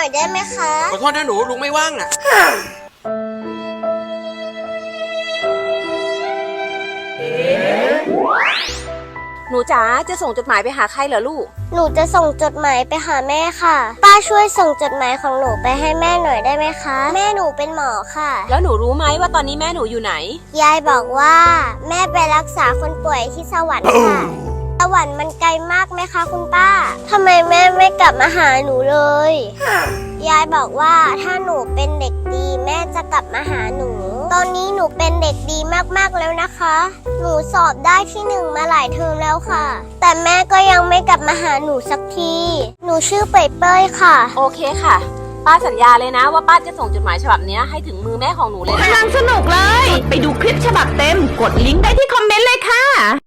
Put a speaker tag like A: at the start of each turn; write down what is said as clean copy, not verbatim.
A: อยได้ไหมคะ
B: ขอโทษนะหนูลุงไม่ว่างน่ะ
C: หนูจ๋าจะส่งจดหมายไปหาใครเหรอลูก
A: หนูจะส่งจดหมายไปหาแม่ค่ะป้าช่วยส่งจดหมายของหนูไปให้แม่หน่อยได้ไหมคะแม่หนูเป็นหมอค่ะ
C: แล้วหนูรู้ไหมว่าตอนนี้แม่หนูอยู่ไหน
A: ยายบอกว่าแม่ไปรักษาคนป่วยที่สวรรค์ค่ะสวรรค์มันไกลมากไหมคะคุณป้าทำไมแม่ไม่กลับมาหาหนูเลยยายบอกว่าถ้าหนูเป็นเด็กดีแม่จะกลับมาหาหนูตอนนี้หนูเป็นเด็กดีมากๆแล้วนะคะหนูสอบได้ที่ 1มาหลายเทอมแล้วค่ะแต่แม่ก็ยังไม่กลับมาหาหนูสักทีหนูชื่อเป้ยค่ะ
C: โอเคค่ะป้าสัญญาเลยนะว่าป้าจะส่งจดหมายฉบับนี้ให้ถึงมือแม่ของหนูเลย
D: กำลังสนุกเลย ไปดูคลิปฉบับเต็มกดลิงก์ได้ที่คอมเมนต์เลยค่ะ